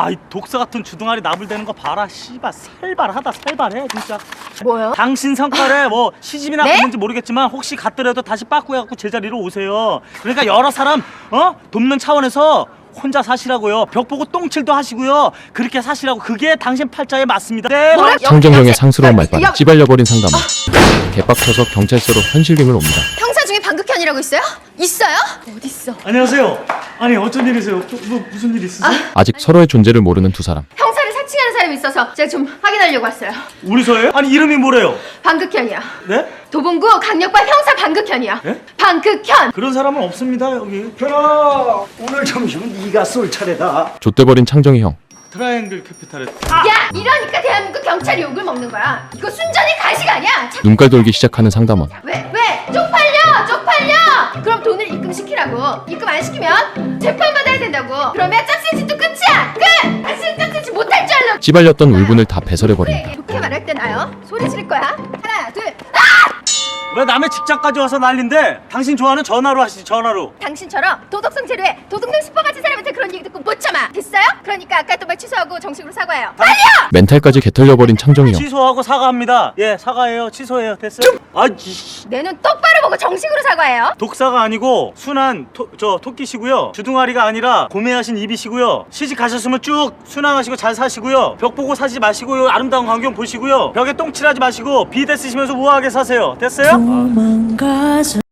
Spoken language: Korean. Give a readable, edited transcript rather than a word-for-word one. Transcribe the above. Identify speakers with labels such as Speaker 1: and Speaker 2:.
Speaker 1: 와, 이 독사 같은 주둥아리 나불대는 거 봐라. 씨발 살발하다, 살발해 진짜.
Speaker 2: 뭐요?
Speaker 1: 당신 성깔에 뭐 시집이나
Speaker 2: 네?
Speaker 1: 갔는지 모르겠지만 혹시 갔더라도 다시 빠꾸해갖고 제자리로 오세요. 그러니까 여러 사람 돕는 차원에서 혼자 사시라고요. 벽 보고 똥칠도 하시고요. 그렇게 사시라고. 그게 당신 팔자에 맞습니다. 네.
Speaker 2: 뭐라?
Speaker 3: 창정형의 상스러운 말빨에
Speaker 2: 야,
Speaker 3: 찌발려버린 상담원. 개빡쳐서 경찰서로 현실림을 옵니다.
Speaker 2: 형사 중에 방극현이라고 있어요? 있어요? 어딨어?
Speaker 1: 안녕하세요. 아니 어쩐 일이세요? 무슨 일 있으세요?
Speaker 3: 아직 서로의 존재를 모르는 두 사람.
Speaker 2: 형사를 사칭하는 사람이 있어서 제가 좀 확인하려고 왔어요.
Speaker 1: 우리 서예요? 아니 이름이 뭐래요?
Speaker 2: 방극현이요.
Speaker 1: 네?
Speaker 2: 도봉구 강력반 형사 방극현이요.
Speaker 1: 예?
Speaker 2: 방극현.
Speaker 1: 그런 사람은 없습니다 여기.
Speaker 4: 현아, 오늘 점심은 네가 쏠 차례다.
Speaker 3: 좆돼버린 창정이 형.
Speaker 1: 트라이앵글 캐피탈에
Speaker 2: 야, 이러니까 대한민국 경찰이 욕을 먹는 거야. 이거 순전히 가식 아니야?
Speaker 3: 눈깔 돌기 시작하는 상담원.
Speaker 2: 왜? 쪽팔려! 쪽팔려! 그럼 돈을 입금시키라고. 입금 안 시키면 재판받아야 된다고. 그러면 짝새짓도 끝이야! 끝! 다시는 짝새짓 못할 줄 알라.
Speaker 3: 찌발렸던 울분을 다 배설해버린다.
Speaker 2: 좋게 말할 때 나요. 소리 지를 거야. 하나, 둘.
Speaker 1: 왜 남의 직장까지 와서 난린데? 당신 좋아하는 전화로 하시지 전화로.
Speaker 2: 당신처럼 도덕성 제로에 도둑놈 슈퍼같은 사람한테 그런 얘기 듣고 못 참아. 됐어요? 그러니까 아까 했던 말 취소하고 정식으로 사과해요. 빨리요!
Speaker 3: 멘탈까지 개털려버린 창정이 형.
Speaker 1: 취소하고 사과합니다. 예 사과해요. 취소해요. 됐어요? 아이씨.
Speaker 2: 내 눈 똑바로 보고 정식으로 사과해요.
Speaker 1: 독사가 아니고 순한 토끼시고요. 주둥아리가 아니라 고매하신 입이시고요. 시집 가셨으면 쭉 순항하시고 잘 사시고요. 벽 보고 사지 마시고요. 아름다운 광경 보시고요. 벽에 똥칠하지 마시고 비데 쓰시면서 우아하게 사세요. 됐어요?